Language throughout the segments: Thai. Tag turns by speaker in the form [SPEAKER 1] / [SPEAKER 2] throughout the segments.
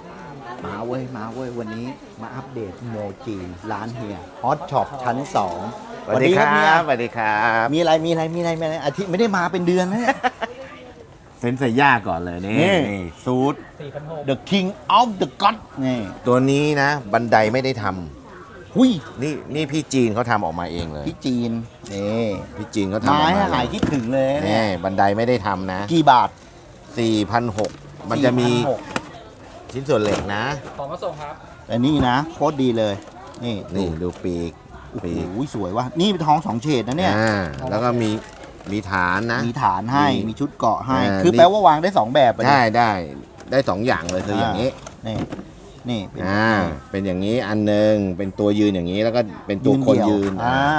[SPEAKER 1] มาเว้ยวันนี้มาอัปเดตโมจิร้านเฮียฮอตช็อปชั้น 2
[SPEAKER 2] สวัสดีครับสวัสดีครับ
[SPEAKER 1] มีอะไรอาทิตย์ไม่ได้มาเป็นเดือนนะเนี่ย
[SPEAKER 2] เซนเซย่าก่อนเลยนี่
[SPEAKER 1] นี่
[SPEAKER 2] ซูท
[SPEAKER 1] The King of the God นี่
[SPEAKER 2] ตัวนี้นะ บันไดไม่ได้ท
[SPEAKER 1] หุย
[SPEAKER 2] ำนี่พี่จีนเขาทำออกมาเองเลย
[SPEAKER 1] พี่จีนนี่
[SPEAKER 2] พี่จีนเขาทำออก
[SPEAKER 1] ไม้
[SPEAKER 2] มา
[SPEAKER 1] หายคิดถึงเลยเนี่
[SPEAKER 2] นี่
[SPEAKER 1] ย
[SPEAKER 2] บันไดไม่ได้ทำนะ
[SPEAKER 1] กี่บาท
[SPEAKER 2] 4,600มันจะมี
[SPEAKER 1] 4,600
[SPEAKER 2] ชิ้นส่วนเหล็กนะ
[SPEAKER 3] ของมาส่งครับ
[SPEAKER 1] แต่นี่นะโคตรดีเลย นี่
[SPEAKER 2] นี่ดูปีก
[SPEAKER 1] โอ้โห
[SPEAKER 2] ปีก
[SPEAKER 1] สวยว่ะนี่เป็นทองสองเฉดนะเนี่ย
[SPEAKER 2] แล้วก็มีฐานนะ
[SPEAKER 1] มีฐานให้มีชุดเกาะให้
[SPEAKER 2] อ่า
[SPEAKER 1] คือ
[SPEAKER 2] นี่
[SPEAKER 1] แปลว่าวางได้ 2 แบบอะ
[SPEAKER 2] ได้สองอย่างเลยคืออย่างนี้
[SPEAKER 1] นี่เป็น
[SPEAKER 2] เป็นอย่างนี้อันหนึงเป็นตัวยืนอย่างนี้แล้วก็เป็นตัวคนยืน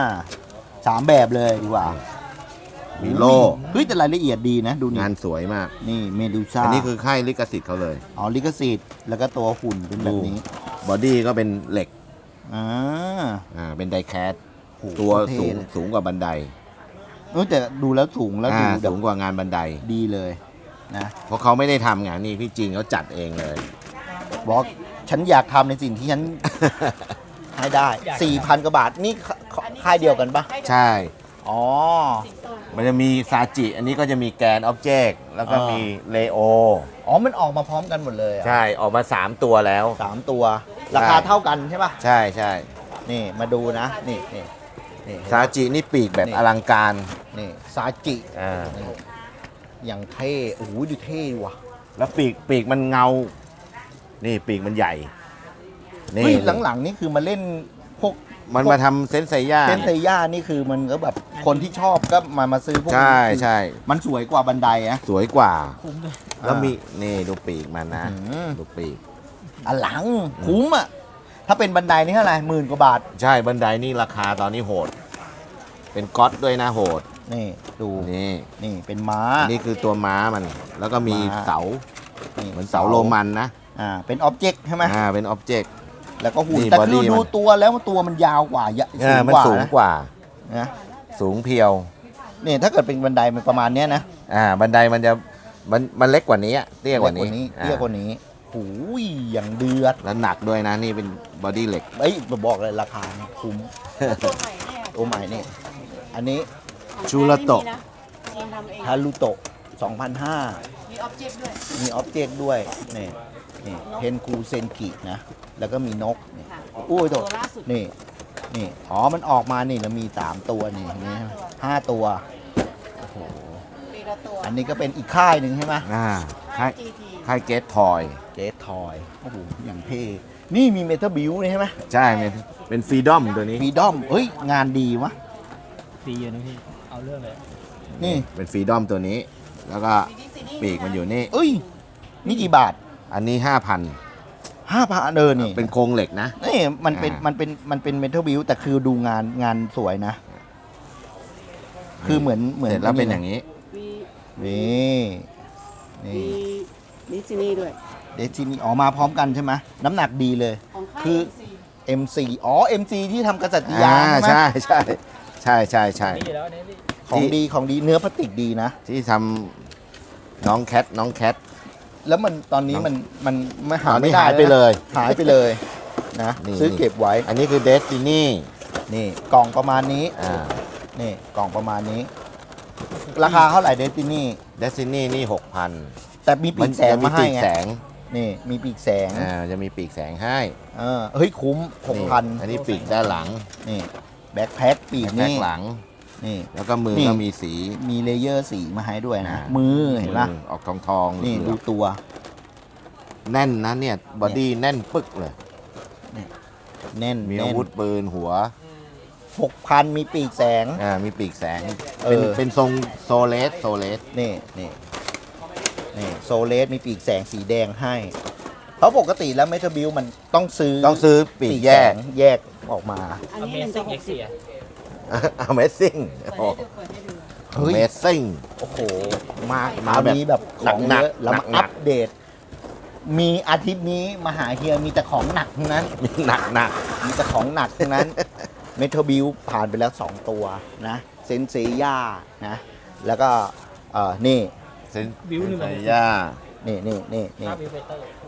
[SPEAKER 1] 3 แบบเลยดีกว่า
[SPEAKER 2] มีโล่
[SPEAKER 1] เฮ้ยแต่รายละเอียดดีนะดูนี่
[SPEAKER 2] งานสวยมาก
[SPEAKER 1] นี่เมดูซ่า
[SPEAKER 2] อันนี้คือค่ายลิขสิทธิ์เขาเลย
[SPEAKER 1] อ๋อลิขสิทธิ์แล้วก็ตัวหุ่นเป็นแบบนี้
[SPEAKER 2] บอดี้ก็เป็นเหล็ก
[SPEAKER 1] อ่า
[SPEAKER 2] เป็นไดแคส
[SPEAKER 1] โห
[SPEAKER 2] ตัว
[SPEAKER 1] เท่
[SPEAKER 2] สูง
[SPEAKER 1] เลย
[SPEAKER 2] สูงกว่าบันได
[SPEAKER 1] แต่ดูแล้วสูงแล้วดูแบ
[SPEAKER 2] สู
[SPEAKER 1] บ
[SPEAKER 2] งกว่างานบันได
[SPEAKER 1] ดีเลยนะ
[SPEAKER 2] เพราะเขาไม่ได้ทำงานนี่พี่จริงเขาจัดเองเลย
[SPEAKER 1] บอกฉันอยากทำในสิ่งที่ฉัน ให้ได้ 4,000 กว่าบาทนี่ค่ายเดียวกันปะ
[SPEAKER 2] ใช่
[SPEAKER 1] อ๋อ
[SPEAKER 2] มันจะมีซาจิอันนี้ก็จะมีแกนออบเจกต์แล้วก็มีเลโอ
[SPEAKER 1] อ๋อมันออกมาพร้อมกันหมดเลยอะ
[SPEAKER 2] ใช่ออกมา 3 ตัวแล้ว
[SPEAKER 1] 3 ตัว ราคาเท่ากันใช่ปะ
[SPEAKER 2] ใช่ใช่
[SPEAKER 1] นี่มาดูนะนี่
[SPEAKER 2] ซาจินี่ปีกแบบ
[SPEAKER 1] นี่
[SPEAKER 2] อลังการ
[SPEAKER 1] นี่ซาจิ
[SPEAKER 2] อ่า
[SPEAKER 1] นี่อย่างเท่โอ้โหดูเท่ว่ะ
[SPEAKER 2] แล้วปีกมันเงา นี่ปีกมันใหญ่
[SPEAKER 1] เฮ้ยหลังๆนี่คือมาเล่นพวก
[SPEAKER 2] มันมาทำเซนไซย่า
[SPEAKER 1] เซนเซย่านี่คือมันก็แบบคนที่ชอบก็มาซื้อพวก
[SPEAKER 2] ใช่
[SPEAKER 1] นี้
[SPEAKER 2] ใช่
[SPEAKER 1] มันสวยกว่าบันไดอะ
[SPEAKER 2] สวยกว่า
[SPEAKER 3] คุ้มเลย
[SPEAKER 2] แล้วมีนี่ดูปีกมันนะ
[SPEAKER 1] อืม
[SPEAKER 2] ดูปีก
[SPEAKER 1] อลังคุ้มอะถ้าเป็นบันไดนี่เท่าไหร่10,000 กว่าบาท
[SPEAKER 2] ใช่บันไดนี่ราคาตอนนี้โหด เป็นก๊อตด้วยนะโหด
[SPEAKER 1] นี่ดู
[SPEAKER 2] นี่
[SPEAKER 1] นี่เป็นม้า
[SPEAKER 2] อันนี้คือตัวม้ามัน แล้วก็มี
[SPEAKER 1] ม้า
[SPEAKER 2] เสา
[SPEAKER 1] นี่
[SPEAKER 2] เหมือนเสาโรมันนะ
[SPEAKER 1] เป็นอ็อบเจกต์ใช่ไหม
[SPEAKER 2] เป็นอ็อบเจกต์
[SPEAKER 1] แล้วก็หุ่น
[SPEAKER 2] นี่
[SPEAKER 1] แต่
[SPEAKER 2] body
[SPEAKER 1] คือดู
[SPEAKER 2] มัน
[SPEAKER 1] ตัวแล้วตัวมันยาวกว่าสูง
[SPEAKER 2] มัน
[SPEAKER 1] กว่า
[SPEAKER 2] สูง
[SPEAKER 1] นะ
[SPEAKER 2] กว่า
[SPEAKER 1] นะ
[SPEAKER 2] สูงเพียว
[SPEAKER 1] นี่ถ้าเกิดเป็นบันไดมันประมาณเนี้ยนะ
[SPEAKER 2] บันไดมันจะมันเล็กกว่านี้อะเตี้ยกว่านี้
[SPEAKER 1] เตี้ยกว่านี้หูยอย่างเดือด
[SPEAKER 2] แล้วหนักด้วยนะนี่เป็นบอดี้เหล็ก
[SPEAKER 1] เอ้ยบอกเลยราคาเนี่ยคุ้ม
[SPEAKER 4] ตัวใหม่แน่
[SPEAKER 1] ตัวใหม่นี่อันนี้
[SPEAKER 2] ชูระโตะ
[SPEAKER 4] ยังทำเอง
[SPEAKER 1] ฮารุโตะ 2,500
[SPEAKER 4] มีออบเจกต์ด้วย
[SPEAKER 1] มีออบเจกต์ด้วยนี่เพนคูเซนกินะ แล้วก็มีนกนี่
[SPEAKER 4] ค่ะ
[SPEAKER 1] อุ้ยโต
[SPEAKER 4] ตัวล่าสุด
[SPEAKER 1] นี่อ๋อมันออกมานี่แล้วมี 3 ตัวนี่เห็นไหม5 ตัวโอ้โห
[SPEAKER 4] ปีละตัว
[SPEAKER 1] อันนี้ก็เป็นอีกค่ายหนึ่งใช่ไหม
[SPEAKER 2] ค่าย
[SPEAKER 4] GT
[SPEAKER 2] ค่ายเกตทอย
[SPEAKER 1] เจสทอยโอ้โหอย่างเท่นี่มีเมทัลบิวนี่ใช่ไหม
[SPEAKER 2] ใช่เป็นฟรีดอมตัวนี้
[SPEAKER 1] ฟีดอมเฮ้ยงานดีวะ
[SPEAKER 3] ดีอยู่นะพี่ เอาเรื่องเลย
[SPEAKER 1] นี่
[SPEAKER 2] เป็นฟรีดอมตัวนี้ แล้วก็ปีกมันอยู่นี่
[SPEAKER 1] เอ้ยนี่กี่บาท
[SPEAKER 2] อันนี้
[SPEAKER 1] 5,000นี่
[SPEAKER 2] 5,000 เป็นโครงเหล็กนะ
[SPEAKER 1] นี่มันเป็น
[SPEAKER 2] อ่ามั
[SPEAKER 1] มันเป็นเมทัลบิวแต่คือดูงานสวยนะ คือเหมือน
[SPEAKER 2] เสร็จแล้วเป็นอย่างนี้
[SPEAKER 4] มี
[SPEAKER 1] นี่
[SPEAKER 4] มีดิสนีย์ด้วย
[SPEAKER 1] เดซินี่อ๋อมาพร้อมกันใช่ไหมน้ำหนักดีเลย
[SPEAKER 4] ของค่าย
[SPEAKER 1] คือ
[SPEAKER 4] MC
[SPEAKER 1] MC อ๋อ MC ที่ทำกษัตริยาใช่ไหม
[SPEAKER 2] ใช่ใช่ใช่ใช่ใช่
[SPEAKER 3] นี่อยู่แล้วนี่พี่
[SPEAKER 1] ของดีเนื้อพลาสติกดีนะ
[SPEAKER 2] ที่ทำน้องแคท
[SPEAKER 1] แล้วมันตอนนี้มันไม่หา
[SPEAKER 2] ตอนนี้
[SPEAKER 1] ไม่ได้
[SPEAKER 2] หายไปเลย
[SPEAKER 1] หายไปเลยนะ
[SPEAKER 2] นี่
[SPEAKER 1] ซื้อเก็บไว้
[SPEAKER 2] อันนี้คือเดสตินี
[SPEAKER 1] นี่กล่องประมาณนี้ นี่กล่องประมาณนี้ ราคาเท่าไหร่เดซินี่
[SPEAKER 2] เดสตินีนี่ 6,000
[SPEAKER 1] แต่มีปีกแสงมาให้
[SPEAKER 2] ปีก
[SPEAKER 1] ไง
[SPEAKER 2] แสง
[SPEAKER 1] นี่มีปีกแสง
[SPEAKER 2] จะมีปีกแสงให้
[SPEAKER 1] เฮ้ยคุ้ม
[SPEAKER 2] นี่
[SPEAKER 1] 6,000
[SPEAKER 2] อันนี้ปีกด้านหลัง
[SPEAKER 1] นี่แบ็คแพ็คปีก
[SPEAKER 2] แพ็ค
[SPEAKER 1] นี่
[SPEAKER 2] หลัง
[SPEAKER 1] นี่
[SPEAKER 2] แล้วก็มือ
[SPEAKER 1] นี่
[SPEAKER 2] ก็มีสี
[SPEAKER 1] มีเลเยอร์สีมาให้ด้วยนะ
[SPEAKER 2] อ่า
[SPEAKER 1] มือเห็นปะ
[SPEAKER 2] มือออกทองๆ
[SPEAKER 1] นี่
[SPEAKER 2] เหลื
[SPEAKER 1] ดู
[SPEAKER 2] อง
[SPEAKER 1] ตัว
[SPEAKER 2] แน่นนะเนี่ยบอดี้แน่นปึกเลย
[SPEAKER 1] แน่น
[SPEAKER 2] มี
[SPEAKER 1] แน่
[SPEAKER 2] อาน วุธปืนหัว
[SPEAKER 1] 6,000 มีปีกแสง
[SPEAKER 2] มีปีกแสง
[SPEAKER 1] เออ
[SPEAKER 2] เป็นทรงโซเลส
[SPEAKER 1] นี่โซเลสมีปีกแสงสีแดงให้ เพราะปกติแล้วเมทัลบิวมันต้องซื้อ
[SPEAKER 2] ต้องซื้อปีกแยก
[SPEAKER 1] สงแยกออกมา
[SPEAKER 4] อัน
[SPEAKER 3] อ
[SPEAKER 4] นี้
[SPEAKER 3] เม
[SPEAKER 4] หนึ่ง
[SPEAKER 3] ซิ
[SPEAKER 4] ต่
[SPEAKER 3] ่
[SPEAKER 4] อง ห
[SPEAKER 3] เอ็
[SPEAKER 4] ก
[SPEAKER 3] ก
[SPEAKER 4] สิบ
[SPEAKER 3] เซีย
[SPEAKER 2] Amazing
[SPEAKER 4] เปิดให้ดูเปิดให้ดู
[SPEAKER 1] เฮ้ย
[SPEAKER 2] Amazing
[SPEAKER 1] โอ้โห มา
[SPEAKER 2] มา
[SPEAKER 1] แบบ
[SPEAKER 2] แบบ
[SPEAKER 1] นี้แบบของ
[SPEAKER 2] หนั
[SPEAKER 1] เย
[SPEAKER 2] ก
[SPEAKER 1] อะ
[SPEAKER 2] ๆ
[SPEAKER 1] แล้วมา
[SPEAKER 2] หนักๆ
[SPEAKER 1] อัปเดต มีอาทิตย์นี้มาหาเฮียมีแต่ของหนักทั้งนั้น
[SPEAKER 2] มีหนัก
[SPEAKER 1] มีแต่ของหนักทั้งนั้น เมทัลบิวผ่านไปแล้ว 2 ตัวนะเซนเซย่านะ แล้วก็นี่
[SPEAKER 2] เซน
[SPEAKER 3] วิวหนึ่ง
[SPEAKER 2] ไซย่า
[SPEAKER 1] นี่
[SPEAKER 3] ภาพวิวเฟเตอร์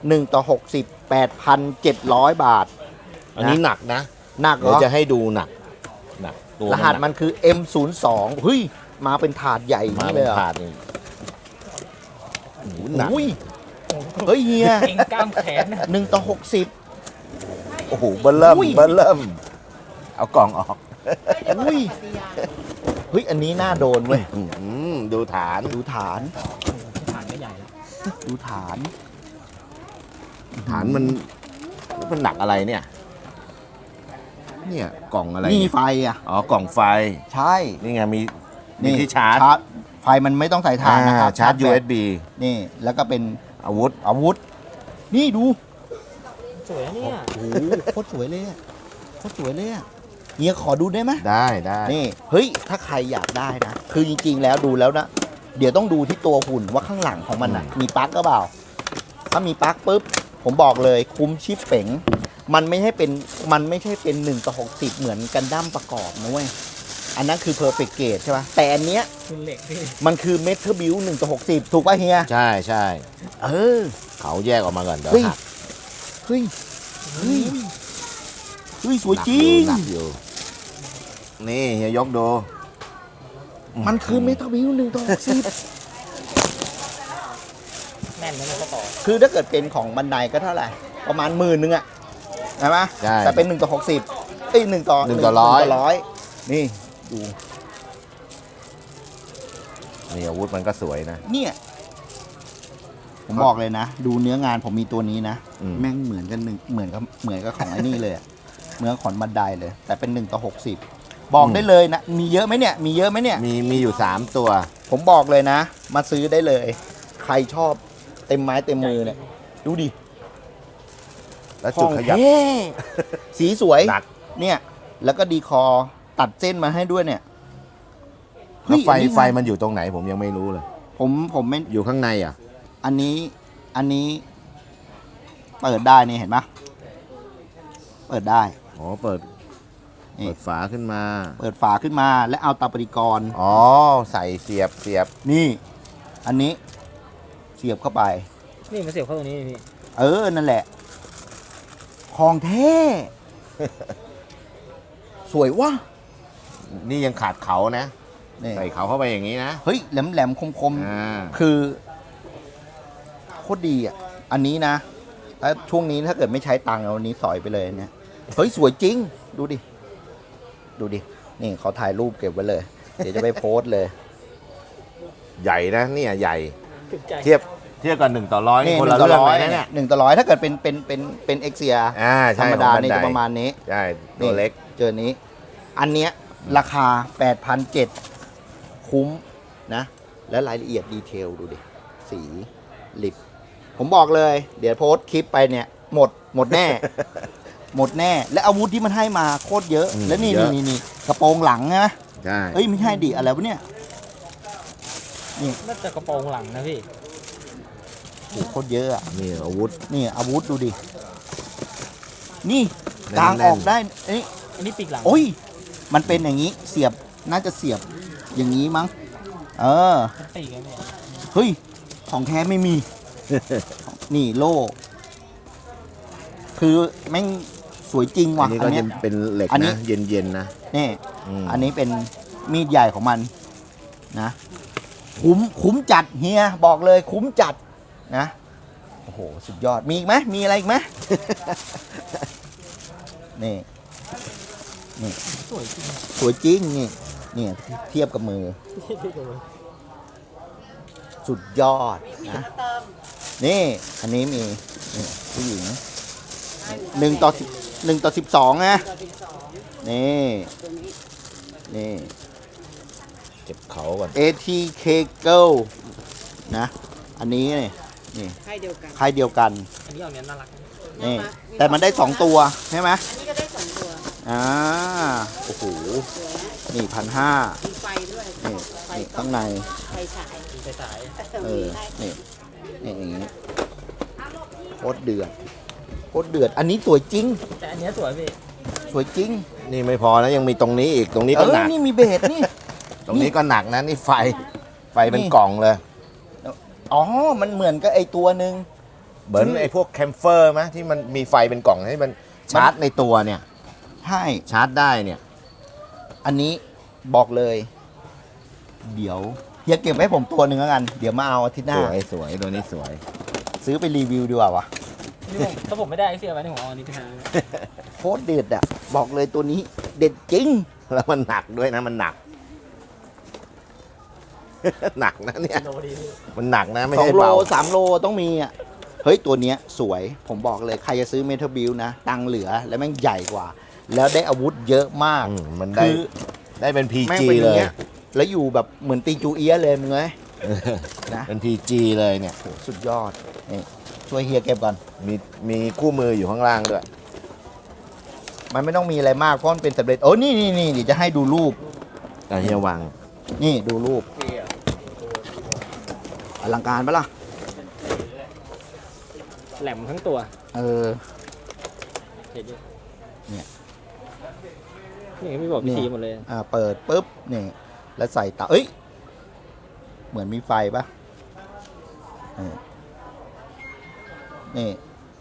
[SPEAKER 1] 1 ต่อ 60 8,700 บาท
[SPEAKER 2] อันนี้หนักนะ
[SPEAKER 1] หนักเหร
[SPEAKER 2] เดี๋ยว
[SPEAKER 1] อ
[SPEAKER 2] จะให้ดูหนักตัว
[SPEAKER 1] รหัส
[SPEAKER 2] หก
[SPEAKER 1] มันคือ M02 เฮ้ย มาเป็นถาดใหญ่อย่าง
[SPEAKER 2] มา
[SPEAKER 1] นี้
[SPEAKER 2] เป็
[SPEAKER 1] เล
[SPEAKER 2] น
[SPEAKER 1] ยเหรอ
[SPEAKER 2] ถาดนี่โอ้โหหนัก
[SPEAKER 1] อุ้ยเฮ้ยเฮีย
[SPEAKER 3] เก่งกล้ามแขนนะ
[SPEAKER 1] 1 ต่อ
[SPEAKER 2] โอ้โหเบิ้ลเริ่ม
[SPEAKER 1] อุ้ย
[SPEAKER 2] เบิ้ลเริ่ม เอากล่องออก
[SPEAKER 1] 60 อุ้ย เฮ้ย อันนี้น่าโดนเว้ย
[SPEAKER 2] ดูฐาน
[SPEAKER 1] ดูฐาน
[SPEAKER 3] ฐานก็ใหญ่แล้ว
[SPEAKER 1] ดูฐาน
[SPEAKER 2] ฐานมันหนักอะไรเนี่ย เนี่ยกล่องอะไร
[SPEAKER 1] นี่
[SPEAKER 2] เนี่ย
[SPEAKER 1] ไฟอ่ะ
[SPEAKER 2] อ๋อกล่องไฟ
[SPEAKER 1] ใช่
[SPEAKER 2] นี่ไงมีที่ชาร์จ
[SPEAKER 1] ไฟมันไม่ต้องใส่ถ่านนะครับ
[SPEAKER 2] ชาร์จ
[SPEAKER 1] แบต
[SPEAKER 2] USB
[SPEAKER 1] นี่ แล้วก็เป็น
[SPEAKER 2] อาวุธ
[SPEAKER 1] อาวุธ นี่ดู
[SPEAKER 3] สวยนะเนี่ย
[SPEAKER 1] โอ้โหโคตรสวยเลยอะโคตรสวยเลยอะเฮียขอดูได้ไหม
[SPEAKER 2] ได้
[SPEAKER 1] นี่ เฮ้ย ถ้าใครอยากได้นะ คือจริงๆ แล้วดูแล้วนะ เดี๋ยวต้องดูที่ตัวหุ่นว่าข้างหลังของมันอะมีปลั๊กก็เปล่า ถ้ามีปลั๊กปุ๊บ ผมบอกเลยคุ้มชิปเป๋ง มันไม่ใช่เป็น1 ต่อ 60 เหมือนกันดั้มประกอบนะเว้ย อันนั้นคือ perfect gauge ใช่ป่ะ แต่อันเนี้ย
[SPEAKER 3] คือเหล็กพี่
[SPEAKER 1] มันคือ metal build 1 ต่อ 60 ถูกป่ะเฮีย
[SPEAKER 2] ใช่ใช่
[SPEAKER 1] เออ
[SPEAKER 2] เขาแยกออกมาก่อนเดี๋ยว
[SPEAKER 1] เฮ้ย
[SPEAKER 2] หัก
[SPEAKER 1] เฮ้ย เฮ้ย เฮ้ย สวยจริง
[SPEAKER 2] หนักอยู่นี่เฮียยกดู
[SPEAKER 1] มันคือ metal build 1 ต่อ 60
[SPEAKER 3] แน่นนะเนี่ยก็ต่อ
[SPEAKER 1] คือถ้าเกิดเป็นของบันไดก็เท่าไหร่ ประมาณ10,000อะใช่ไหม
[SPEAKER 2] ใช่
[SPEAKER 1] แต่เป็น1 ต่อ 60 เอ้ย1 ต่อ
[SPEAKER 2] 1 ต่อ 100
[SPEAKER 1] 1 นี่ดู
[SPEAKER 2] นี่อาวุธมันก็สวยนะ
[SPEAKER 1] เนี่ย ผมบอกเลยนะ ดูเนื้องานผมมีตัวนี้นะ
[SPEAKER 2] อืม
[SPEAKER 1] แม่งเหมือนกันเหมือนกับของไอ้นี่เลยอะเหมือนของบันไดเลย แต่เป็น1 ต่อ 60 บอกได้เลยนะ มีเยอะไหมเนี่ย มีเยอะไหมเนี่ย
[SPEAKER 2] มีอยู่ 3 ตัว
[SPEAKER 1] ผมบอกเลยนะ มาซื้อได้เลย ใครชอบเต็มไม้เต็มมือเนี่ย ดูดิ
[SPEAKER 2] แล้วจุดขยับ
[SPEAKER 1] ของแท้สีสวย
[SPEAKER 2] หนัก
[SPEAKER 1] เนี่ย แล้วก็ดีคอร์ตัดเส้นมาให้ด้วยเนี่ย
[SPEAKER 2] แล้วไฟ
[SPEAKER 1] อันนี้
[SPEAKER 2] ไฟมันอยู่ตรงไหนผมยังไม่รู้เลย
[SPEAKER 1] ผมไม่
[SPEAKER 2] อยู่ข้างในอ่ะ
[SPEAKER 1] อันนี้เปิดได้นี่เห็นปะเปิดได้
[SPEAKER 2] อ๋อเปิด
[SPEAKER 1] นี่
[SPEAKER 2] เปิดฝาขึ้นมา
[SPEAKER 1] เปิดฝาขึ้นมาและเอาตาปฏิกรณ์
[SPEAKER 2] อ๋อใส่เสียบ
[SPEAKER 1] นี่ อันนี้เสียบเข้าไป
[SPEAKER 3] นี่มันเสียบเข้าตรงนี้พี่
[SPEAKER 1] นั่นแหละ ของแท้ สวยวะ
[SPEAKER 2] นี่ยังขาดเขานะ
[SPEAKER 1] นี่
[SPEAKER 2] ใส่เขาเข้าไปอย่างนี้นะ
[SPEAKER 1] เฮ้ยแหลมแหลมคมคมๆ
[SPEAKER 2] อ่า
[SPEAKER 1] คือโคตรดีอ่ะ อันนี้นะถ้าช่วงนี้ถ้าเกิดไม่ใช้ตังค์เอาอันนี้สอยไปเลยเนี่ย เฮ้ย สวยจริง ดูดิ ดูดิ นี่เขาถ่ายรูปเก็บไว้เลย เดี๋ยวจะไปโพสต์เลย
[SPEAKER 2] ใหญ่นะเนี่ยใหญ่
[SPEAKER 3] ถูกใจ
[SPEAKER 2] เทียบกัน1 ต่อ 100นี่คนละ
[SPEAKER 1] 1 ต่อ
[SPEAKER 2] เรื่อง
[SPEAKER 1] ร้อ
[SPEAKER 2] เลย ยนะเนี่ย
[SPEAKER 1] 1 ต่อ 100 ถ้าเกิดเป็นเอ็กเซีย
[SPEAKER 2] ใช่
[SPEAKER 1] ธรรมดา
[SPEAKER 2] ของ
[SPEAKER 1] นี่
[SPEAKER 2] บั
[SPEAKER 1] จะ
[SPEAKER 2] ได
[SPEAKER 1] ประมาณนี้
[SPEAKER 2] ใช่ตัวเล็ก
[SPEAKER 1] เจอนี้ อันเนี้ยราคา 8,700 คุ้มนะ และรายละเอียดดีเทลดูดิ สีลิป ผมบอกเลย เดี๋ยวโพสต์คลิปไปเนี่ย หมดแน่ หมดแน่ และอาวุธที่มันให้มาโคตรเยอะ และนี่
[SPEAKER 2] เยอะ
[SPEAKER 1] นี่กระโปรงหลังนะ
[SPEAKER 2] ใช่
[SPEAKER 1] เอ้ยไม่ใช่ดิอะไรวะเนี่ย
[SPEAKER 3] น่าจะกระโปรงหลังนะพี่
[SPEAKER 1] โอ้โหโคตรเยอะอะ
[SPEAKER 2] นี่อาวุธ
[SPEAKER 1] นี่อาวุธดูดิ นี่
[SPEAKER 2] แน่นๆ
[SPEAKER 1] กลางออกได้เอ้ย
[SPEAKER 3] อันนี้ปีกหลัง
[SPEAKER 1] โอ้ย มันเป็นอย่างนี้ เสียบ น่าจะเสียบอย่างนี้มั้ง เออ
[SPEAKER 3] เป็นปีกไงพี่
[SPEAKER 1] เฮ้ย ของแท้ไม่มี นี่โล่ คือแม่งสวยจริง
[SPEAKER 2] อั
[SPEAKER 1] ว่ะ
[SPEAKER 2] นนี้
[SPEAKER 1] อั
[SPEAKER 2] ก็
[SPEAKER 1] นเนี้
[SPEAKER 2] จะ
[SPEAKER 1] ย
[SPEAKER 2] เป็นเหล็ก
[SPEAKER 1] อันนี้
[SPEAKER 2] นะ เย็นๆนะ
[SPEAKER 1] นี่
[SPEAKER 2] ม
[SPEAKER 1] อันนี้เป็นมีดใหญ่ของมันนะ คุ้มจัดเฮีย บอกเลยคุ้มจัดนะ โอ้โห สุดยอด มีอีกไหมมีอะไรอีกไหม นี่
[SPEAKER 3] สวยจริงอะ
[SPEAKER 1] สวยจริงนี่นี่เทียบกับมือ สุดยอดนะ นี่ อันนี้มีนี่ผู้หญิง1 ต่อ 12นะนี่ นี่
[SPEAKER 2] เก็บเขาก่อน
[SPEAKER 1] ATK Girl นะ อันนี้นี่
[SPEAKER 4] ให้เดียวกัน
[SPEAKER 1] ค่ายเดียวกัน
[SPEAKER 3] อันนี้ออกเนี้ยน่ารักนะ
[SPEAKER 1] นี่ แต่มันได้ 2 ตัวใช่ไหม
[SPEAKER 4] อันนี้ก็ได้2ตัว
[SPEAKER 1] โอ้โห
[SPEAKER 4] สวยนะ
[SPEAKER 1] นี่1,500
[SPEAKER 4] มีไฟด้วย
[SPEAKER 1] นี่
[SPEAKER 4] ไฟ
[SPEAKER 1] นี่ข้างใน
[SPEAKER 4] ไฟฉาย
[SPEAKER 3] มีไฟฉาย
[SPEAKER 1] เอ
[SPEAKER 4] มี
[SPEAKER 1] อ
[SPEAKER 4] ให้
[SPEAKER 1] นี่อย่างนี้โคตรเดือดโคตรเดือด อันนี้สวยจริง
[SPEAKER 3] แต่อันเนี้ยสวยพี่
[SPEAKER 1] สวยจริง
[SPEAKER 2] นี่ไม่พอนะยังมีตรงนี้อีกตรงนี้ก็หนัก
[SPEAKER 1] นี่มีเบสนี่
[SPEAKER 2] ตรงนี้ก็หนักนะนี่ไฟเป็น
[SPEAKER 1] นี่
[SPEAKER 2] กล่องเลย
[SPEAKER 1] อ๋อ มันเหมือนกับไอตัวหนึ่ง
[SPEAKER 2] เหมือนไอ้พวกแคมเฟอร์ไหมที่มันมีไฟเป็นกล่องให้มันชาร์จในตัวเนี่ย
[SPEAKER 1] ใช่
[SPEAKER 2] ชาร์จได้เนี่ย
[SPEAKER 1] อันนี้บอกเลย เดี๋ยวเฮียเก็บไว้ผมตัวหนึ่งแล้วกัน เดี๋ยวมาเอาอาทิตย์หน้า
[SPEAKER 2] สวยสวยตัวนี้สวย
[SPEAKER 1] ซื้อไปรีวิวดีกว่าวะ
[SPEAKER 3] นี่ผมถ้าผมไม่ได้ไอเสียไว้ในผมเอาอันนี้ไปหา
[SPEAKER 1] โคตรเด็ดอ่ะ บอกเลยตัวนี้เด็ดจริง
[SPEAKER 2] แล้วมันหนักด้วยนะมันหนัก หนักนะเนี่ย
[SPEAKER 3] โลดีพี่
[SPEAKER 2] มันหนักนะไม่
[SPEAKER 1] สอ
[SPEAKER 2] ใช่
[SPEAKER 1] งโล
[SPEAKER 2] เบา
[SPEAKER 1] 3 โลต้องมีอ่ะ เฮ้ย ตัวเนี้ยสวย ผมบอกเลยใครจะซื้อเมทัลบิลนะ ตังค์เหลือแล้วแม่งใหญ่กว่า แล้วได้อาวุธเยอะมาก
[SPEAKER 2] มันได้
[SPEAKER 1] คือ
[SPEAKER 2] ได้เป็น
[SPEAKER 1] แม่ง
[SPEAKER 2] PG
[SPEAKER 1] เป็นอ
[SPEAKER 2] เล
[SPEAKER 1] ย่าง
[SPEAKER 2] ย
[SPEAKER 1] เงี้ยแล้วอยู่แบบเหมือนตีจูเอียะเลยมึงเอ้ยนะ
[SPEAKER 2] เป็น PG เลยเนี่ย
[SPEAKER 1] โหสุดยอดนี่ช่วยเฮียเก็บก่อน
[SPEAKER 2] มีคู่มืออยู่ข้างล่างด้วย
[SPEAKER 1] มันไม่ต้องมีอะไรมากเพราะมันเป็นสำเร็จโอ้นี่เดี๋ยวจะให้ดูรูป
[SPEAKER 2] แต่เฮียวาง
[SPEAKER 1] นี่ดูรูปอลังการปะล่ะ
[SPEAKER 3] แหลมทั้งตัว
[SPEAKER 1] เออ
[SPEAKER 3] เห็นดิ
[SPEAKER 1] เนี่ย
[SPEAKER 3] นี่ไม่บอกวิธีหมดเลย
[SPEAKER 1] เปิดปุ๊บนี่แล้วใส่เตาเอ้ย เหมือนมีไฟปะเออนี่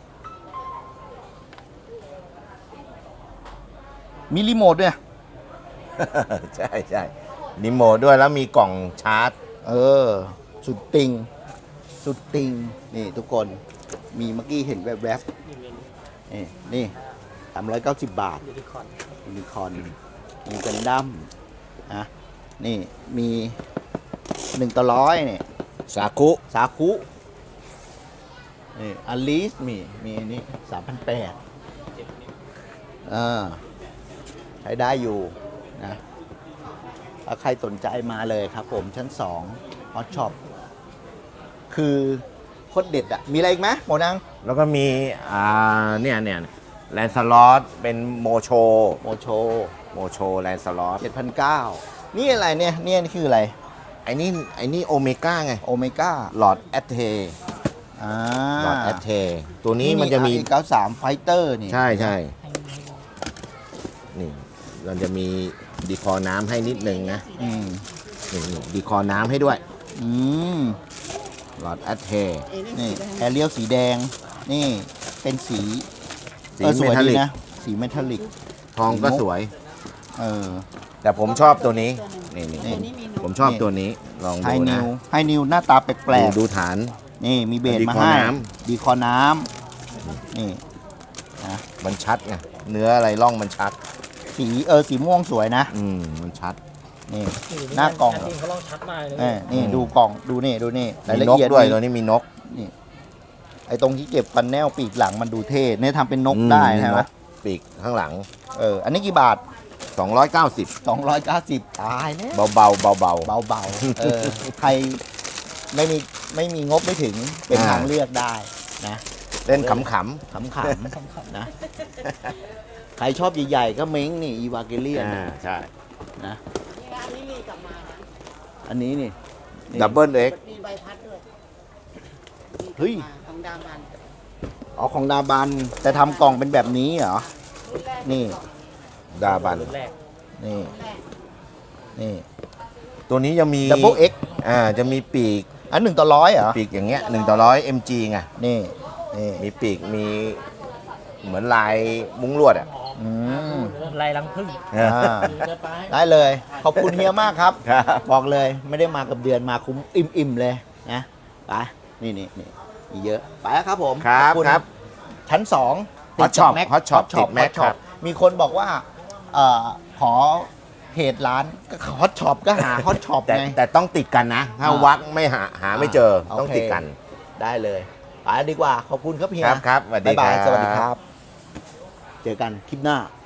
[SPEAKER 1] มีรีโมทด้วย
[SPEAKER 2] ใช่ใช่รีโมทด้วยแล้วมีกล่องชาร์จ
[SPEAKER 1] เออ สุดติง สุดติง นี่ทุกคน มีเมื่อกี้เห็นแวบๆนี่390 บาท
[SPEAKER 3] ยูนิคอร์น
[SPEAKER 1] ยูนิคอร์นมีกันดั้มนะนี่มี1/100เนี่ย
[SPEAKER 2] สาคุ
[SPEAKER 1] สาคุนี่อลิสมีนี่3,800ใช้ได้อยู่นะถ้าใครสนใจมาเลยครับผมชั้น2ฮอตช็อปคือโคตรเด็ดอะมีอะไรอีกไหมหมอนัง
[SPEAKER 2] แล้วก็มีเนี่ยแลนสลอตเป็นโมโช
[SPEAKER 1] โมโช
[SPEAKER 2] แลนสลอต
[SPEAKER 1] 7,900นี่อะไรเนี่ยนี่คืออะไร
[SPEAKER 2] ไอ้นี่โอเมก้าไง
[SPEAKER 1] โอเมก้า
[SPEAKER 2] หลอดแอตเท
[SPEAKER 1] อ่า
[SPEAKER 2] หลอดแอตเทตัวนี้มันจะมี
[SPEAKER 1] 93 Fighter นี่
[SPEAKER 2] ใช่นี่มันจะมีดีคอน้ำให้นิดนึงนะ
[SPEAKER 1] อืม
[SPEAKER 2] นี่ดีคอน้ำให้ด้วย
[SPEAKER 1] อืม
[SPEAKER 2] หลอดแอตเท
[SPEAKER 1] นี่แอเรียลสีแดง นี่เป็นสี
[SPEAKER 2] สี
[SPEAKER 1] สวย
[SPEAKER 2] เมทัล
[SPEAKER 1] ดี
[SPEAKER 2] ลิก
[SPEAKER 1] นะ สีเมทัลลิก
[SPEAKER 2] ทองก็สวย
[SPEAKER 1] เออ
[SPEAKER 2] แต่ผมชอบตัวนี้นี่
[SPEAKER 1] นี่
[SPEAKER 4] ตัวนี้มีนก
[SPEAKER 2] ผมชอบตัวนี้ลอง
[SPEAKER 1] ไฮ
[SPEAKER 2] ดู
[SPEAKER 1] นิ
[SPEAKER 2] นะ
[SPEAKER 1] วไฮนิวหน้าตาแปลก
[SPEAKER 2] ดูฐาน
[SPEAKER 1] ๆ นี่มีเบส
[SPEAKER 2] ดี
[SPEAKER 1] มา
[SPEAKER 2] คอ
[SPEAKER 1] ให้
[SPEAKER 2] น้
[SPEAKER 1] ดีคอน้ำนี่
[SPEAKER 2] มันชัดไงเนื้ออะไรร่องมันชัด
[SPEAKER 1] สีม่วงสวยนะ
[SPEAKER 2] มันชัด
[SPEAKER 1] นี่ หน้ากล่อง
[SPEAKER 3] จริงเขาลองชัดมากเลย
[SPEAKER 1] นี่ดูกล่องดูนี่ราย
[SPEAKER 2] มี
[SPEAKER 1] ละ
[SPEAKER 2] นก
[SPEAKER 1] เอียด
[SPEAKER 2] ด้วย
[SPEAKER 1] นี่
[SPEAKER 2] ตัวนี้มีนก
[SPEAKER 1] นี่ไอ้ตรงที่เก็บฟันแนลปีกหลังมันดูเท่เนี่ยทำเป็นนกได้ใช่ไหม
[SPEAKER 2] นกปีกข้างหลัง
[SPEAKER 1] อันนี้กี่บาท
[SPEAKER 2] 290
[SPEAKER 1] 290 ตายแล้ว
[SPEAKER 2] เบาๆเบา
[SPEAKER 1] เบาๆใครไม่มีงบไม่ถึงเป็นทางเลือกได้นะ
[SPEAKER 2] ๆเล่นขำ
[SPEAKER 1] ขำๆนะใครชอบใหญ่ๆก็เม้งนี่อีวาเกเลียน
[SPEAKER 2] ใช่
[SPEAKER 1] นะ
[SPEAKER 4] อันนี้มีกลับมานะ
[SPEAKER 1] อันนี้นี่
[SPEAKER 2] ดับเบิลเอ็ก
[SPEAKER 4] มีใบพัดด้วย
[SPEAKER 1] เฮ้ย
[SPEAKER 4] ของดามัน
[SPEAKER 1] อ๋อของดาบันแต่ทำกล่องเป็นแบบนี้เหรอ
[SPEAKER 4] รุ่นแรก
[SPEAKER 1] นี่
[SPEAKER 2] ดาบัน
[SPEAKER 3] รุ่นแรก
[SPEAKER 1] นี่
[SPEAKER 4] รุ่นแรก
[SPEAKER 1] นี่
[SPEAKER 2] ตัวนี้จะมี
[SPEAKER 1] ดับเบิลเอ็ก
[SPEAKER 2] จะมีปีก
[SPEAKER 1] อัน1/100เหรอ
[SPEAKER 2] ปีกอย่างเงี้ย1/100 mg ไง
[SPEAKER 1] นี่
[SPEAKER 2] มีปีกมีเหมือนลายมุ้งลวดอ่ะ
[SPEAKER 1] อืม
[SPEAKER 3] ลายรังผึ้ง
[SPEAKER 1] อ่าได้เลย ขอบคุณเฮียมากครับ
[SPEAKER 2] ครับ
[SPEAKER 1] บอกเลยไม่ได้มากับเดือนมาคุ้มอิ่มๆเลยนะไปนี่มีเยอะไปแล้วครับผม
[SPEAKER 2] ครับ
[SPEAKER 1] ขอณ
[SPEAKER 2] ครับ
[SPEAKER 1] ชั้น2
[SPEAKER 2] Hot Shop Hot Shop ติด Mac ครับ
[SPEAKER 1] มีคนบอกว่าขอเพจร้านก็ฮอตช็อปก็หาฮอตช็อป
[SPEAKER 2] แต่
[SPEAKER 1] ไง
[SPEAKER 2] แต่ต้องติดกันนะ ถ้าวักไม่หาไม่เจอ
[SPEAKER 1] โอเค
[SPEAKER 2] ต้องติดกัน
[SPEAKER 1] ได้เลยไปดีกว่าขอบคุณครับเฮีย
[SPEAKER 2] ครับสวัสดี
[SPEAKER 1] บ๊ายบาย
[SPEAKER 2] ครับ
[SPEAKER 1] สวัสดีครับ เจอกันคลิปหน้า